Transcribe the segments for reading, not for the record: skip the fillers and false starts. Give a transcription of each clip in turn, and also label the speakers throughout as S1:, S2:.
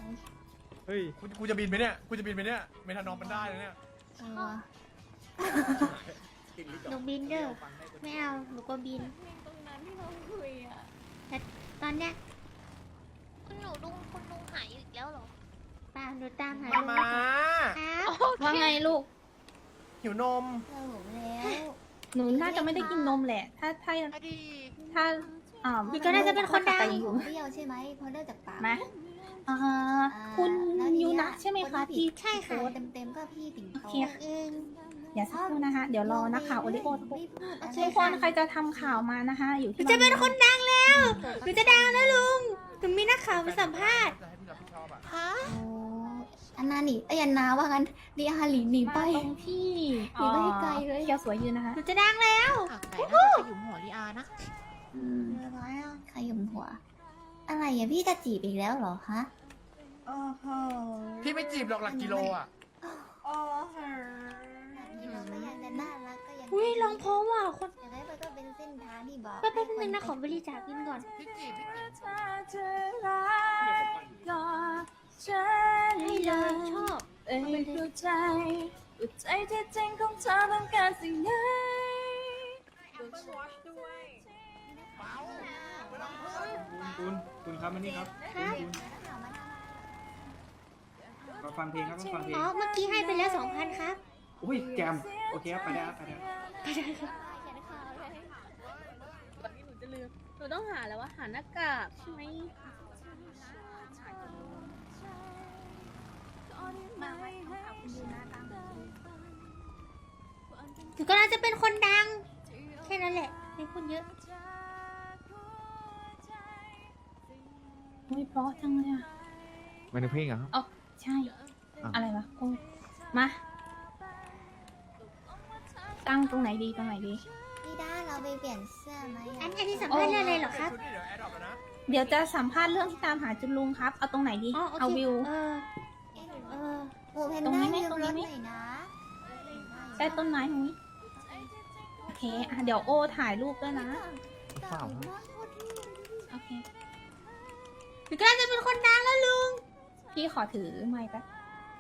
S1: เฮ้ยกูจะบินไปเนี่ยเมทานอมมันได้เลยเนี่ย
S2: หนูบินเด้อไม่เอาหนูก็บิน
S3: ตรงนั้นที่เราคุยอ่ะ
S2: แต่ตอนเนี้ย
S3: คุณลุงหายอีกแล้วเหรอ
S2: ป้าหนูตามหา
S1: มา
S2: อ้าว
S4: ว่าไงลูก
S1: หิวนม
S2: เราหนูแล้ว
S4: หนูน่าจะไม่ได้กินนมแหละ ถ้า
S2: นี่ก็น่าจะเป็นคนดัง
S4: อยู่
S5: เปรี้ยวใช่ไหมพอเลิกจากปาก
S4: ไหมคุณยูนะใช่ไหมคะที่
S2: ใช่ค่ะ
S5: เต็มๆก็พี่ติ๋ง
S4: โอ
S5: โต
S4: เคค่ะอย่าสักครู่นะคะ เดี๋ยวรอนักข่าวโอริโอทุก
S5: ไม่พูดอะไร
S4: ทุกคนใครจะทำข่าวมานะคะ อยู่
S2: หนู
S4: ที่
S2: จะเป็นคนดังแล้วหนูจะดังแล้วลุงหนูมีนักข่าวมาสัมภาษณ์
S1: จะให้พี่รับผิดชอบอ่ะ
S3: ฮะ
S5: โอ้อันนาหนีไอ้ยันนาว่างั้นเดียฮาหลีหนีไป
S4: มาตรงที่
S5: หนีไปให้ไกลเลย
S4: เคียวสวยยืนนะคะ
S2: หนูจะดังแล้ว
S3: อ่ะไหนน่าจะขยุมหัวลีอานะ
S5: อะไรอ่ะใครหยุมหัว อะไรอ่ะพี่จะจีบอีกแล้วเหรอฮะ
S1: พี่ไม่จีบหรอกหลักกิโลอ่ะ
S5: นี่เราก็ยังจะน่ารักก็ยัง
S2: อุ้ยร้องเพราะว่ะคน
S5: อย่างไรมันก็เป็นเส้นทางที่บอก
S2: แป๊บนึงนะขอบริจาคเงินก่อน
S1: พี่จีบ
S2: ให้เลยชอบ
S4: เอ้ยเข้าใจว่าใจที่จริงของเธอต้องการสิ่งไหน
S6: คุณครับมานี่ครับ
S2: ครับ
S6: มาฟังเพลงครับมาฟังเพลง
S2: อ๋อเมื่อกี้ให้ไปแล้ว 2,000 ครับ
S6: อุ้ยแจมโอเคครับไปได้ครับไปได้
S4: ตอนนี้หนูจะลืม หนูต้องหาแล้วว่าหาหน้ากากใช่ไหมมาไว้ต้องหาคุณยูนะตาม
S2: หนูก็น่าจะเป็นคนดัง แค่นั้นแหละไม่พูดเยอะ
S4: โอ้ยเพราะจังเลยอ่ะ
S7: ไม่ได้เพลงเหรอครับ
S4: อ๋อใช่ อะไรวะโอ้มา ตั้งตรงไหนดีตรงไหนดี
S5: พี่ด้าเราไปเปลี่ยนเสื้อไหม
S2: อันนี้สัมภาษณ์เรื่องอะไรเหรอครับ
S1: ชุดนี้เดี๋ยวแอดดอปแล้วนะ
S4: เดี๋ยวจะสัมภาษณ์เรื่องที่ตามหาจุนลุงครับ เอาตรงไหนดี
S2: อ๋อโอ
S4: เอา
S2: เค
S4: วิว
S5: โอ้เพน
S4: ตรง
S5: ด้า
S4: นี้ไหม
S5: ยืม
S4: ตรง
S5: ร
S4: นี้
S5: ถ
S4: ไหม
S5: หน่อยนะ
S4: ใต้ต้นไม้ตรงนี้ โอเคอ่ะเดี๋ยวโอถ่ายรูปด้วยนะ
S7: เปล่าครับ
S4: โอเค
S2: หนูก็น่าจะเป็นคนดังแล้วลุง
S4: พี่ขอถือไมค์แป๊บ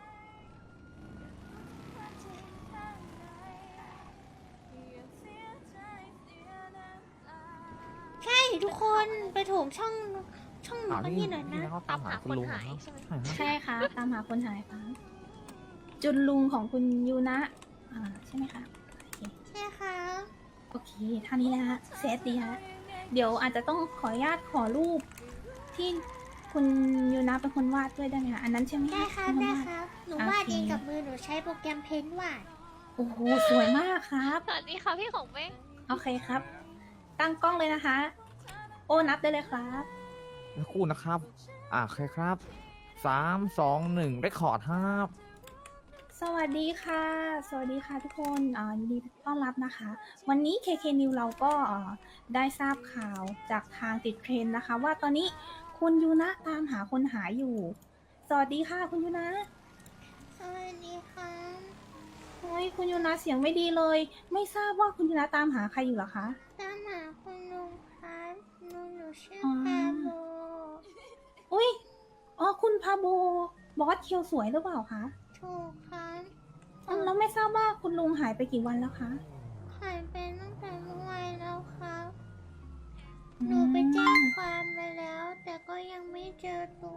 S2: ใช่ทุกคนไปโถมช่องหนู
S7: อ้าว
S2: กัน
S7: นี่
S2: นี่หน่อยนะ
S7: เขาตามหาคุณลุงเหรอครับใช่ครับ
S4: ใช่ค่ะ ตามหาคนหายค่ะ จุนลุงของคุณยูนะ ใช่ไหมคะ
S2: ใช่ค่ะ
S4: โอเคเท่านี้นะฮะเซตดีฮะ เดี๋ยวอาจจะต้องขออนุญาตขอรูปที่คุณยูนะเป็นคนวาดด้วยได้ไหมคะ อันนั้นใช่ไหมะ
S2: ได้ครับ
S4: เป็นน
S2: ได้
S4: วา
S2: ครับ หนู
S4: โอเค
S2: วาดเองกับมือหนูใช้โปรแกรมเพนวาด
S4: โอ้โห สวยมากครับ
S3: สวัสดีค่ะพี่ของเม้ง
S4: โอเคครับ ตั้งกล้องเลยนะคะ โอ้นับได้เลยครับ
S7: แล้วคู่นะครับ โอเคครับ3 2 1ได้คอร์ดครับ
S4: สวัสดีค่ะ สวัสดีค่ะทุกคนยินดีต้อนรับนะคะ วันนี้ KK New เราก็ได้ทราบข่าวจากทางติดเทรนด์นะคะ ว่าตอนนี้คุณยูนะตามหาคนหายอยู่ สวัสดีค่ะคุณยูนะ
S2: สวัสดีค่ะ
S4: โอ้ยคุณยูนะเสียงไม่ดีเลย ไม่ทราบว่าคุณยูนะตามหาใครอยู่เหรอคะ
S2: ตามหาคุณลุงครับลุงหนูชื่อ
S4: อ๋อ
S2: พาโบ
S4: อุ้ยอ๋อคุณพาโบบอสเคียวสวยหรือเปล่าคะ
S2: ถูกครับ
S4: แล้วไม่ทราบว่าคุณลุงหายไปกี่วันแล้วคะ
S2: หายไปตั้งแต่เมื่อวานแล้วครับ หนูไปแจ้งความไปแล้ว แต่ก็ยังไม่เจอตัว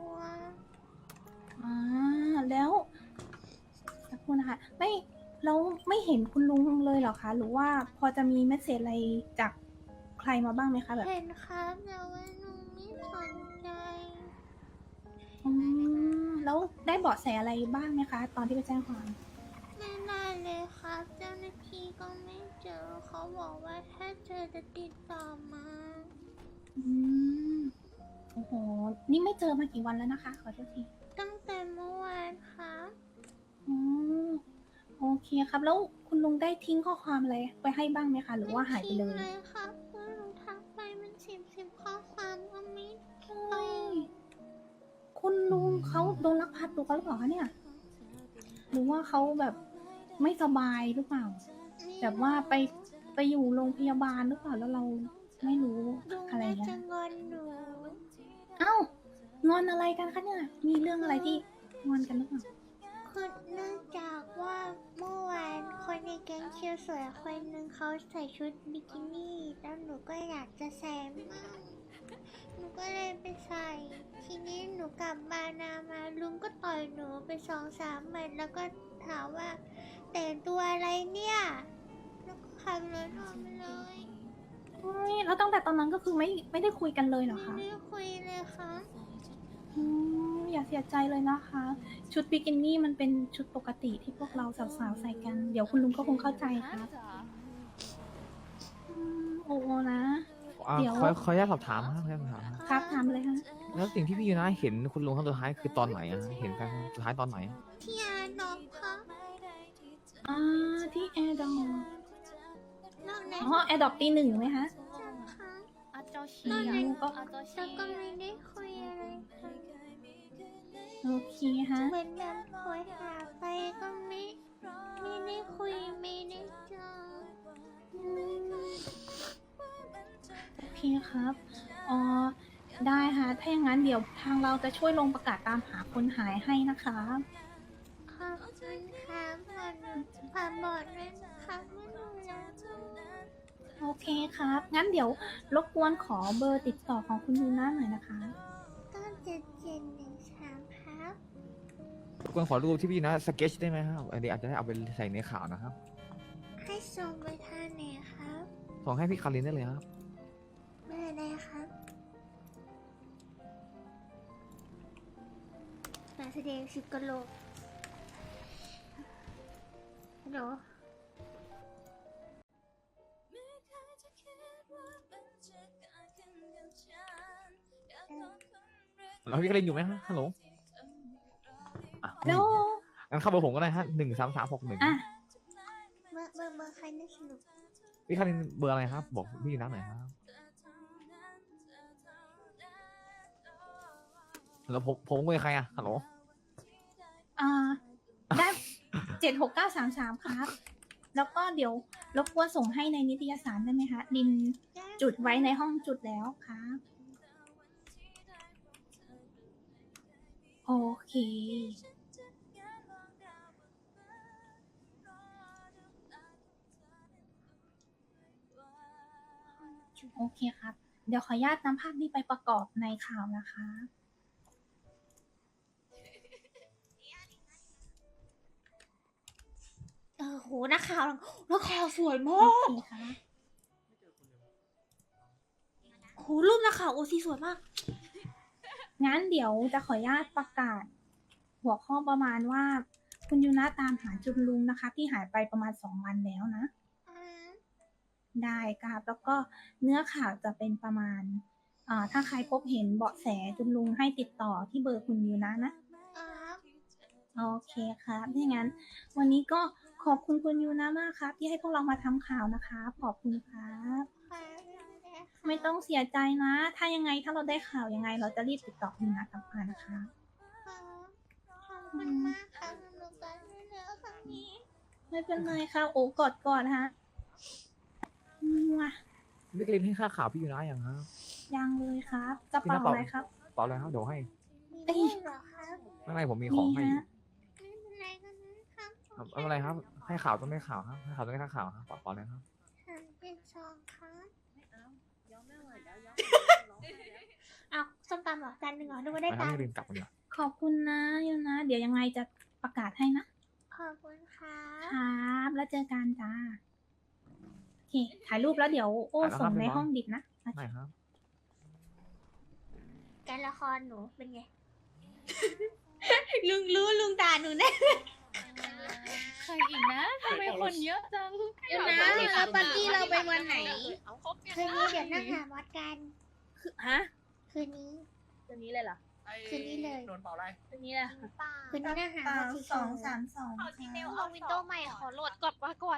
S4: แล้วสักครู่นะคะเราไม่เห็นคุณลุงเลยเหรอคะ หรือว่าพอจะมีเมสเซจอะไรจากใครมาบ้างไหมคะแบบ
S2: เห็นครับแต่ว่าหนูไม่สนใจ
S4: แล้วได้เบาะแสอะไรบ้างไหมคะ ตอนที่ไปแจ้งความ
S2: ไม่ได้เลยครับ เจ้าหน้าที่ก็ไม่เจอ เขาบอกว่าถ้าเจอจะติดต่อมา
S4: อืมโอ้โห นี่ไม่เจอมากี่วันแล้วนะคะ ขอโทษที
S2: ตั้งแต่เมื่อวานครับ
S4: อ๋อโอเคครับ แล้วคุณลุงได้ทิ้งข้อความอะไรไปให้บ้างไหมคะ หรือว่าหายไปเลย
S2: ม่ทิ้งเลยครับคุณลุงทักไปมันสิบข้อความก็ไม่ตอบ
S4: คุณลุงเขาโดนลักพาตัวหรือเปล่าคะเนี่ย หรือว่าเขาแบบไม่สบายหรือเปล่า แบบว่าไปอยู่โรงพยาบาลหรือเปล่าแล้วเราไม่รู้
S2: ลุง
S4: อะไร
S2: น่า
S4: เงี้
S2: จะ
S4: ย
S2: งอนหนู
S4: เอ้างอนอะไรกันคะเนี่ยมีเรื่องอะไรที่งอนกันหรือเปล่า
S2: คือเนื่องจากว่าเมื่อวานคนในแก๊งเชียวสวยคนหนึ่งเขาใส่ชุดบิกินี่แล้วหนูก็อยากจะใส่มั่งหนูก็เลยไปใส่ ทีนี้หนูกลับมานามาลุงก็ต่อยหนูไป2-3 หมัดแล้วก็ถามว่าแต่งตัวอะไรเนี่ยแล้วก็ขับรถออกมาเลย
S4: อุ๊ยแล้วตั้งแต่ตอนนั้นก็คือไม่ได้คุยกันเลยเหรอ
S2: ไม่
S4: คะ
S2: ได้คุยเลยค่ะ
S4: อย่าเสียใจเลยนะคะ ชุดบิกินี่มันเป็นชุดปกติที่พวกเราสาวๆใส่กัน เดี๋ยวคุณลุงก็คงเข้าใจครับโอ้โหนะ เดี๋ยว
S7: ขออนุญาตสอบถามครับขออนุญาตสอบถามครับ
S4: ครับถามเลยค่ะ
S7: แล้วสิ่งที่พี่ยูนะเห็นคุณลุงครั้งสุดท้ายคือตอนไหนอะเห็นกันสุดท้ายตอนไหน
S2: ที่อาดอกค่ะ
S4: ที่แอร์ดอป
S2: นอกนั้น
S4: อ๋อแอร์ดอปตี 1ไหมคะ
S2: ค่ะ
S3: อาเจ้าชี
S2: นอก
S3: อะ
S2: นั้น
S4: ก็
S3: อาเจ้าชี
S2: แล้วก็ไม่ได้คุยอะไรค่ะ
S4: โอเคฮะ
S2: เหมือนแบบโหยหาไปก็ไม่ได้คุยไม่ได้เจอ
S4: โอเคครับได้ค่ะ ถ้าอย่างนั้นเดี๋ยวทางเราจะช่วยลงประกาศตามหาคนหายให้นะคะ
S2: ขอบคุณค่ะฝากบอกด้วยนะคะไม่รู้แล้ว
S4: โอเคครับ งั้นเดี๋ยวรบกวนขอเบอร์ติดต่อของคุณยูน่าหน่อยนะคะ
S2: 97713ครับ
S7: ควรขอรูปที่พี่ยูนะสเก็ตได้ไหมครับอันนี้อาจจะได้เอาไปใส่ในข่าวนะครับ
S2: ให้ส่งไปทางไหนครับ
S7: ส่งให้พี่คารินได้เลยครับ
S2: เบอร์อะไรครับการแสดงสิบกะโหลกฮัลโหล
S7: แล้วพี่คารินอยู่ไหมฮะฮัลโหลอ่ะ
S4: แล้ว
S7: งั้นเข้าเบอร์ผมก็ได้ฮะ13361
S4: อ่ะ
S2: เบอร์ใครน่าสนุก
S7: พี่คารินเบอร์อะไรครับ บอกพี่ยูนะหน่อยครับแล้วผมคุยกับใครอะฮัลโหล
S4: ได้76933ครับ แล้วก็เดี๋ยวรบกวนส่งให้ในนิตยสารได้ไหมคะดินจุดไว้ในห้องจุดแล้วครับโอเค โอเคครับ เดี๋ยวขออนุญาตนำภาพนี้ไปประกอบในข่าวนะคะ
S2: โหนักข่าวสวยมา
S4: โอก เคค่ะ
S2: โหรูปนักข่าวโอซีสวยมาก
S4: งั้นเดี๋ยวจะขออนุญาตประกาศ หัวข้อประมาณว่า คุณยูนะตามหาจุนลุงนะคะ ที่หายไปประมาณ2 วันแล้วนะ ได้ครับแล้วก็เนื้อข่าวจะเป็นประมาณถ้าใครพบเห็นเบาะแสจุนลุงให้ติดต่อที่เบอร์คุณยูนะนะ โอเคครับถ้างั้น วันนี้ก็ขอบคุณคุณยูนะมากครับ ที่ให้พวกเรามาทำข่าวนะคะขอบคุณครับ ไม่ต้องเสียใจนะ ถ้ายังไงถ้าเราได้ข่าวยังไง เราจะรีบติดต่อคุณยูนะกลับมานะคะ
S2: ขอบคุณมากค่ะสนุกกันด้วยเนื้อครั้งนี้
S4: ไม่เป็นไรครับโอ้กอดก่อนฮะมั่ว
S7: พี่คารินให้ค่าข่าวพี่ยูนะยังครับ
S4: ยังเลยครับกระเป๋าอะไรครับ
S7: ต่อเลยครับเดี๋ยวให้
S2: มีด้วยเหรอครับ
S7: ข้างในผมมีของให้
S4: มี
S7: อยู่
S4: ฮะ
S2: ไม่เป็นไรกันนะครับ
S7: ครับไม่เป็นไรครับ ให้ข่าวต้องได้ข่าวครับให้ข่าวต้องได้ข่าวครับต่อเลยครับ
S2: 372ครับเอาส้มตำเหรอจานหนึ่งเหรอนึกว่าได้
S7: ไปครับ
S2: ตัง
S7: พี่
S2: ค์
S7: คารินกลับมาเดี๋ยว
S4: ขอบคุณนะยูนะ เดี๋ยวยังไงจะประกาศให้นะ
S2: ขอบคุณครับ
S4: ครับ แล้วเจอกันจ้า โอเค ถ่ายรูปแล้วเดี๋ยวโอ้ส่งในห้องดิบนะ
S7: ได้ครับ
S2: การละครหนูเป็นไง ลุงด่าหนูแน่
S3: ใครอีกนะทำไมคนเยอะจัง
S2: เดี๋ยวนะแล้วปาร์ตี้เราไปวันไหน คืนนี้เดี๋ยวนั่งหาวัดกัน
S3: ฮะ
S2: คืนนี้
S3: ตัวนี้เลยเหรอ
S2: คืนนี้เลย
S1: โดนเป่าอะไร
S3: ตัวนี้แหละ
S2: คืนนี้นั่งหาวัดที่
S4: 232
S3: เอาวินโดว์ใหม่ขอโหลดก่อนว่าก่อน